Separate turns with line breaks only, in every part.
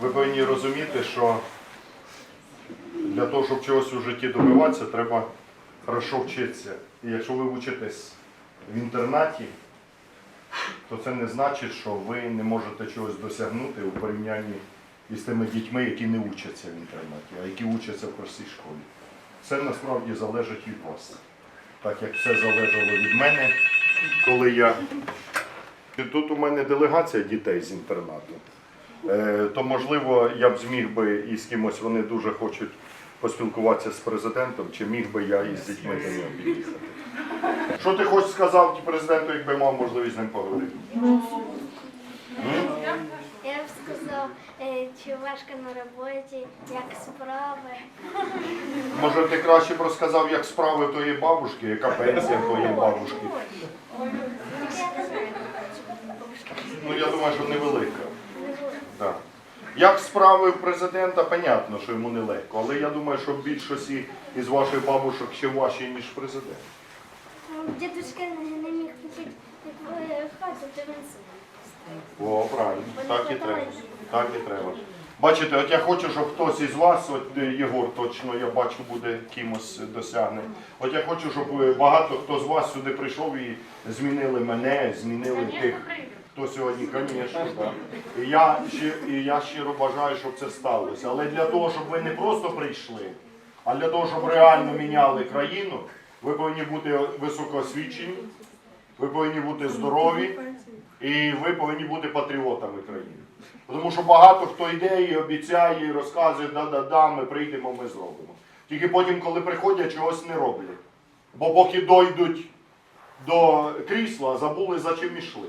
Ви повинні розуміти, що для того, щоб чогось у житті добиватися, треба хорошо вчитися. І якщо ви вчитесь в інтернаті, то це не значить, що ви не можете чогось досягнути у порівнянні із тими дітьми, які не вчаться в інтернаті, а які вчаться в простій школі. Все насправді залежить від вас. Так як все залежало від мене, коли я... Тут у мене делегація дітей з інтернату, то можливо я б зміг би і з кимось, вони дуже хочуть поспілкуватися з президентом, чи міг би я із дітьми до нього під'їхати. Що ти хоч сказав президенту, якби мав можливість з ним поговорити?
Я б сказав, чи важко на роботі, як справи.
Може ти краще б розказав, як справи твоєї бабушки, яка пенсія твоєї бабушки? Ну я думаю, що невелика. Так. Як справи в президента, понятно, що йому нелегко, але я думаю, що в більшості із ваших бабушок ще важче, ніж президент.
Дідусь не міг купити хату, то він сам.
О, правильно, так і треба. Так і треба. Бачите, от я хочу, щоб хтось із вас, от Єгор точно, я бачу, буде кимось досягне. От я хочу, щоб багато хто з вас сюди прийшов і змінили мене, змінили тих, хто сьогодні, звісно, так. І я щиро бажаю, щоб це сталося. Але для того, щоб ви не просто прийшли, а для того, щоб реально міняли країну, ви повинні бути високоосвічені, ви повинні бути здорові і ви повинні бути патріотами країни. Тому що багато хто йде і обіцяє, і розказує, да-да-да, ми прийдемо, ми зробимо. Тільки потім, коли приходять, чогось не роблять. Бо поки дойдуть до крісла, забули, за чим йшли.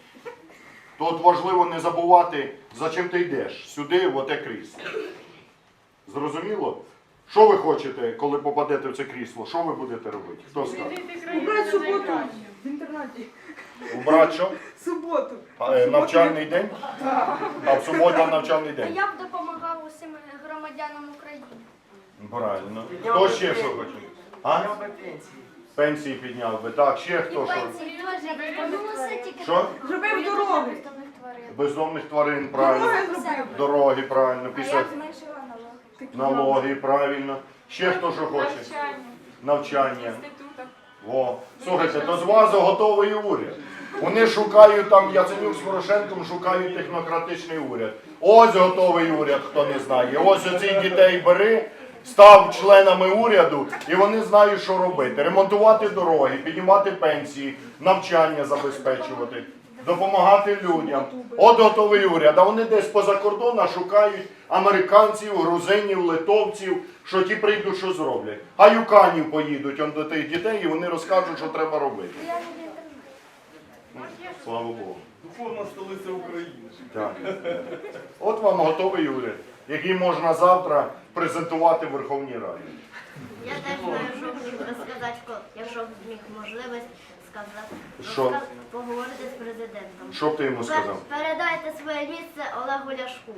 То от важливо не забувати, за чим ти йдеш. Сюди, в оте крісло. Зрозуміло? Що ви хочете, коли попадете в це крісло? Що ви будете робити? Хто скаже?
Убрати суботу в інтернаті.
Убрати що?
Суботу.
Навчальний день? А в суботу навчальний день?
Я б допомагав усім громадянам України.
Правильно. Хто ще що хоче? А? Пенсії підняв би. Так, ще хто що?
Пенсії теж повернулося тільки.
Що?
Зробив дороги.
бездомних тварин.
Бездомних тварин, правильно.
Дороги зробив.
Дороги, правильно.
А
Після
я зменшила
налоги, правильно. Ще хто що хоче? Навчання. О, слухайте, то з вас готовий уряд. Вони шукають там, Яценюк з Порошенком шукають технократичний уряд. Ось готовий уряд, хто не знає. Ось оцих дітей бери, став членами уряду, і вони знають, що робити. Ремонтувати дороги, піднімати пенсії, навчання забезпечувати, допомагати людям. От готовий уряд. А вони десь поза кордоном шукають американців, грузинів, литовців, що ті прийдуть, що зроблять. А юканів поїдуть он до тих дітей, і вони розкажуть, що треба робити.
Я не в інтернеті.
Слава Богу.
Духовна столиця України.
Так. От вам готовий уряд, який можна завтра презентувати в Верховній Раді.
Я теж маю жовтник розказати, якщо б міг можливість сказати,
Що?
поговорити з президентом.
Що б ти йому сказав?
Передайте своє місце Олегу Ляшку.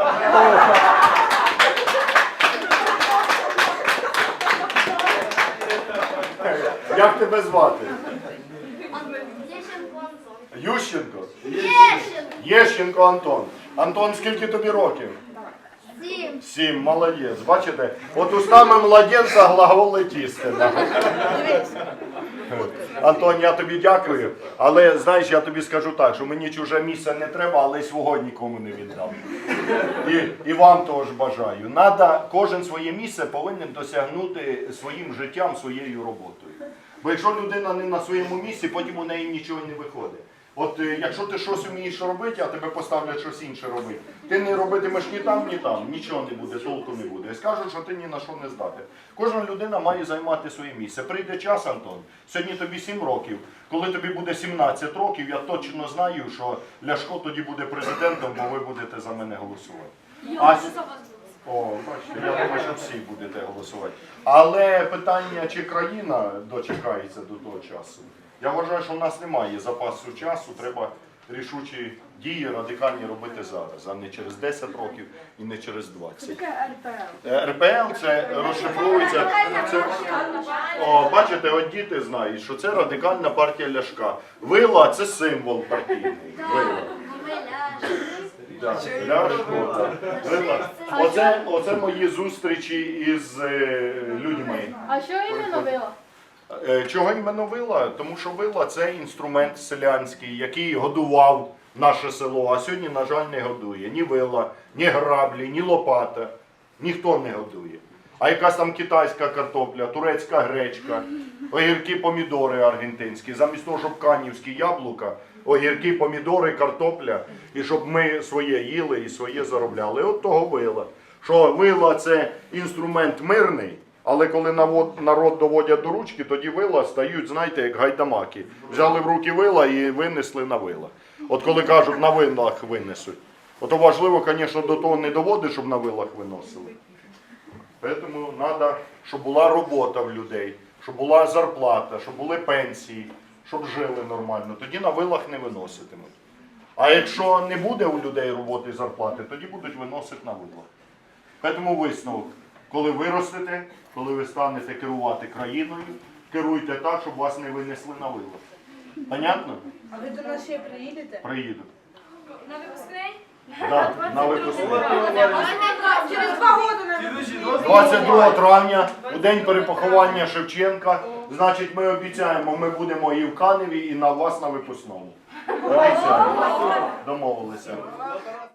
Як тебе звати?
Єщенко Антон.
Ющенко?
Єщенко!
Єщенко Антон. Антон, скільки тобі років?
7.
7, молодець. Бачите? От устами младенця глаголи істина. Антон, я тобі дякую, але знаєш, я тобі скажу так, що мені чуже місце не треба, але й свого нікому не віддам. І вам теж бажаю. Кожен своє місце повинен досягнути своїм життям, своєю роботою. Бо якщо людина не на своєму місці, потім у неї нічого не виходить. От якщо ти щось вмієш робити, а тебе поставлять щось інше робити, ти не робитимеш ні там, нічого не буде, толку не буде. І скажуть, що ти ні на що не здатен. Кожна людина має займати своє місце. Прийде час, Антон, сьогодні тобі 7 років, коли тобі буде 17 років, я точно знаю, що Ляшко тоді буде президентом, бо ви будете за мене голосувати. О, бачите, я думаю, що всі будете голосувати. Але питання, чи країна дочекається до того часу, я вважаю, що в нас немає запасу часу, треба рішучі дії радикальні робити зараз, а не через 10 років і не через 20.
Таке РПЛ.
РПЛ це розшифровується. Бачите, от діти знають, що це радикальна партія Ляшка. Вила це символ партійний. Вила.
Ми ляжемо.
Да, Ляшко, так. Вила. Оце мої зустрічі із людьми.
А що іменно вила?
Чого іменно вила? Тому що вила – це інструмент селянський, який годував наше село, а сьогодні, на жаль, не годує. Ні вила, ні граблі, ні лопата. Ніхто не годує. А якась там китайська картопля, турецька гречка, огірки, помідори аргентинські. Замість того, щоб канівські яблука, огірки, помідори, картопля. І щоб ми своє їли і своє заробляли. От того вила. Що вила – це інструмент мирний, але коли народ доводять до ручки, тоді вила стають, знаєте, як гайдамаки. Взяли в руки вила і винесли на вила. От коли кажуть, на вилах винесуть. Ото важливо, звісно, до того не доводить, щоб на вилах виносили. Тому треба, щоб була робота в людей, щоб була зарплата, щоб були пенсії, щоб жили нормально. Тоді на вилах не виноситимуть. А якщо не буде у людей роботи і зарплати, тоді будуть виносити на вилах. Тому висновок. Коли виростете, коли ви станете керувати країною, керуйте так, щоб вас не винесли на вилах. Понятно?
А ви до нас ще приїдете?
Приїду.
На випускний?
Так, на випускний.
Через 2 роки на
22 травня, у день перепоховання Шевченка, значить, ми обіцяємо, ми будемо і в Каневі, і на вас на випускному. Обіцяємо. Домовилися.